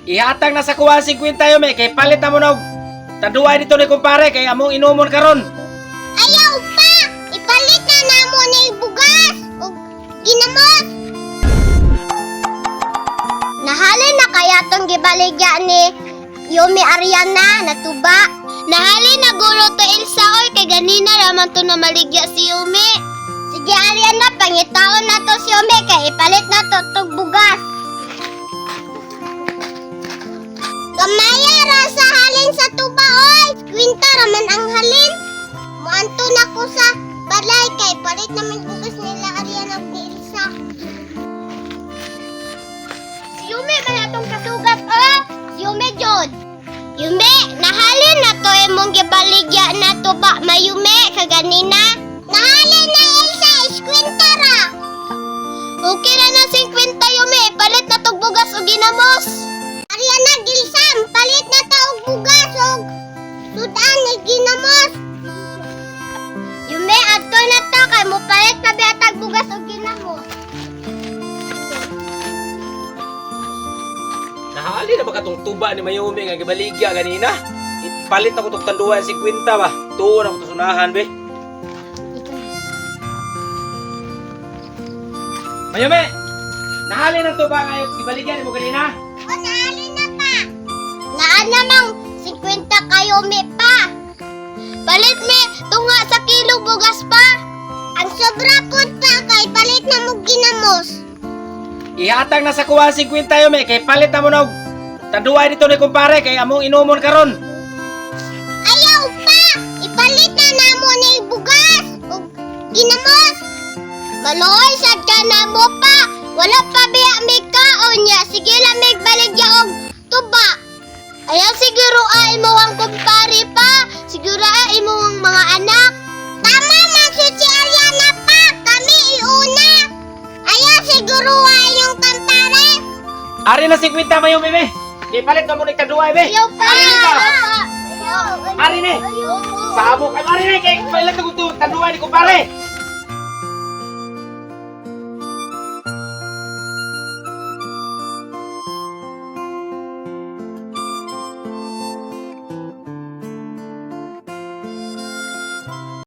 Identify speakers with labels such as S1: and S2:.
S1: Ihatag na sa kuha 50 Yume kay palit na mo na og taduay dito ni kumpare kay among inumon karon.
S2: Ayaw pa! Ipalit na namo ni bugas o ginamos. Nahalin na kaya tong gibaligya ni Yumi Ariana natuba. Nahalin na gulo to Elsa oy kay ganina raman to na maligya si Yumi. Sige Ariana, pangitaon na to si Yumi kay ipalit na to tong bugas. Gamaya ra sa halin sa tuba oy. Kwinta raman ang halin. Muanto na ko sa balay kay palit naman bugas nila Ariana ug ni Elsa. Si Yumi ba atong kasugat oh? Si Yumi jud. Yumi, nahalin na to imong gibaligya na to ba mayume kaganina? Nahalin na Elsa, iskwenta ra. Okay ra na 50 Yumi, palit na tog bugas og ginamos. Ariana Gilsam, palit na ta og bugas og sudan ni ginamos. Yumi, adto na to kay mo palit pa biatag bugas og ginamos.
S1: Nahali na ba katong tuba ni Mayumi nga gibaligya ganina? Ipalit na ko tong tanduay 50 ba? Tuon ako to sunahan be. Mayumi! Nahali na tuba nga yung gibaligya ni mo ganina?
S2: O, nahalin na pa. Naan namang 50 kayo mi pa. Palit mi tunga sa kilo bugas pa. Ang sobra po pa kay palit na mo ginamos.
S1: Ihatag na sa kuha 50 Yume kay palit na mo na og taduay dito ni kumpare kay among inumon karon.
S2: Ayaw pa! Ipalit na namo ni bugas o ginamos. Maloy sad ka na mo pa. Wala pa biya may kaon niya. Sige lang may baligya og tuba. Ayaw siguro ay mo ang kumpare pa. Siguro ay mo ang mga anak. Tama man si Ariana pa. Kami iuna. Ayaw siguro ay yung kumpare.
S1: Ari na 50 Mayumi be. Kay palit na mo ni taduay be.
S2: Ayaw pa.
S1: Ari na.
S2: Ayaw.
S1: Ari ni.
S2: Ayaw.
S1: Sabok ay ari ni kay palit na ko to taduay ni kumpare.